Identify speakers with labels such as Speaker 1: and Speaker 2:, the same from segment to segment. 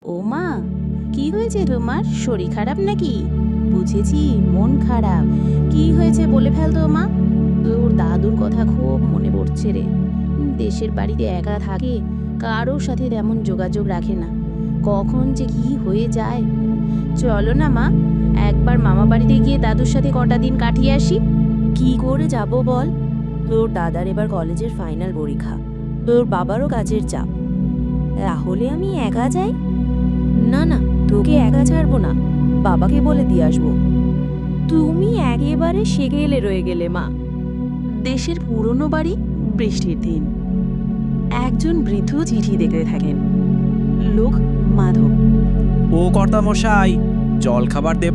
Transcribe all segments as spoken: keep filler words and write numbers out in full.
Speaker 1: ও মা, কি হয়েছে তোমার? শরীর খারাপ নাকি? বুঝেছি, মন খারাপ। কি হয়েছে বলে ফেল তো মা। তোর দাদুর কথা খুব মনে পড়ছে রে। দেশের বাড়িতে একা থাকে, কারোর সাথে তেমন যোগাযোগ রাখে না। কখন যে কি হয়ে যায়। চলো না মা, একবার মামা বাড়িতে গিয়ে দাদুর সাথে কটা দিন কাটিয়ে আসি।
Speaker 2: কি করে যাব বল? তোর দাদার এবার কলেজের ফাইনাল পরীক্ষা, তোর বাবারও কাজের চাপ। তাহলে আমি একা যাই? না না, তোকে একা ছাড়বো না, বাবাকে বলে দিয়ে আসবো। তুমি একেবারে সেগেলে রয়ে গেলে মা।
Speaker 1: দেশের পুরনো বাড়ি, বৃষ্টির দিন। একজন বৃদ্ধ চিঠি দেখতে থাকেন। লোক মাধব।
Speaker 3: ও কর্তামশাই, জল খাবার দেব?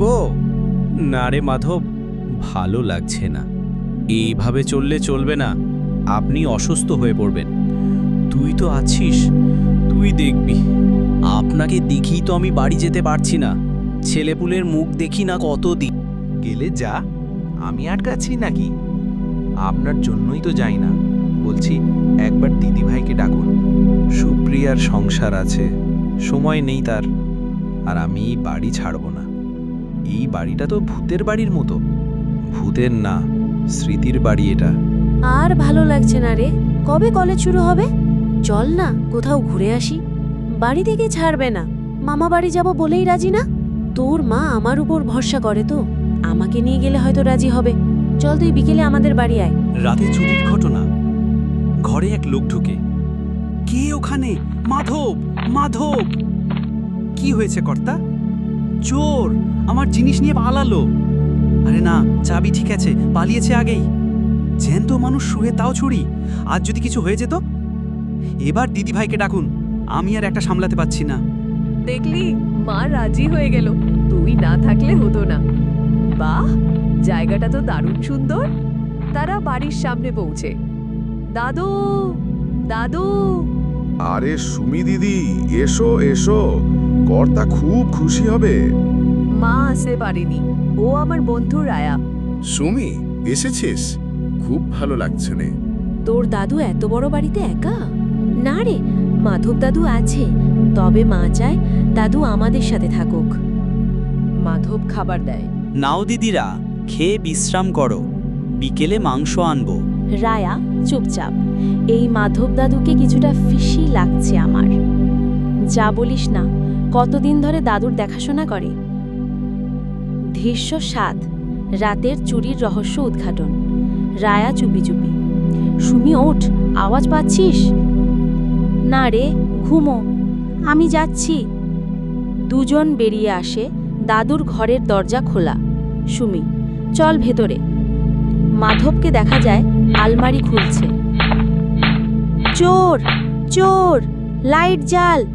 Speaker 3: না রে মাধব, ভালো লাগছে না। এইভাবে চললে চলবে না, আপনি অসুস্থ হয়ে পড়বেন। তুই তো আছিস, তুই দেখবি। আপনাকে দেখি তো আমি বাড়ি যেতে পারছি না। ছেলেপুলের মুখ দেখি না কতদিন।
Speaker 4: গেলে যা, আমি আটকাচ্ছি নাকি? আপনার জন্যই তো যাই না। বলছি, একবার দিদিভাইকে ডাকুন। সুপ্রিয়ার সংসার আছে, সময় নেই তার। আর আমি এই বাড়ি ছাড়ব না। এই বাড়িটা তো ভূতের বাড়ির মতো। ভূতের না, স্মৃতির বাড়ি এটা।
Speaker 2: আর ভালো লাগছে না রে। কবে কলেজ শুরু হবে? চল না, কোথাও ঘুরে আসি। বাড়ি থেকে ছাড়বে না, মামা বাড়ি যাব বলেই রাজি না। তোর মা আমার উপর ভরসা করে তো, আমাকে নিয়ে গেলে হয়তো রাজি হবে। চল তুই বিকেলে আমাদের বাড়ি আয়।
Speaker 3: রাতে চুরির ঘটনা। ঘরে এক লোক ঢুকে। কে ওখানে? মাধব, মাধব! কি হয়েছে কর্তা? চোর আমার জিনিস নিয়ে পালালো। আরে না, চাবি ঠিক আছে, পালিয়েছে আগেই। জ্যান্ত মানুষ শুয়ে তাও ছুরি। আজ যদি কিছু হয়ে যেত। এবার দিদিভাইকে ডাকুন, আমি আর একটা সামলাতে পারছি না।
Speaker 5: দেখলি, মা রাজি হয়ে গেল। তুই না থাকলে হতো না। বাহ, জায়গাটা তো দারুণ সুন্দর। তারা বাড়ির সামনে পৌঁছে। দাদু, দাদু!
Speaker 6: আরে সুমি দিদি, এসো এসো, কর্তা খুব খুশি হবে।
Speaker 5: মা আসতে পারেনি, ও আমার বন্ধু রায়া।
Speaker 6: সুমি, এসেছিস? খুব ভালো লাগছে নে।
Speaker 2: তোর দাদু এত বড় বাড়িতে একা? না রে, মাধব দাদু আছে, তবে মা চায় দাদু আমাদের সাথে থাকুক।
Speaker 5: মাধব খাবার দেয়।
Speaker 3: নাও দিদিরা, খেয়ে বিশ্রাম করো, বিকেলে মাংস আনবো।
Speaker 2: রায়া চুপচাপ। এই মাধব দাদুকে কিছুটা ফিসি লাগছে আমার। যা বলিস না, কতদিন ধরে দাদুর দেখাশোনা করে। দৃশ্য সাত, রাতের চুরির রহস্য উদ্ঘাটন। রায়া চুপি চুপি। সুমি ওঠ, আওয়াজ পাচ্ছিস? না রে, ঘুমো, আমি যাচ্ছি। দুজন বেরিয়ে আসে। দাদুর ঘরের দরজা খোলা। সুমি, চল ভেতরে। মাধবকে দেখা যায় আলমারি খুলছে। চোর, চোর, লাইট জ্বাল।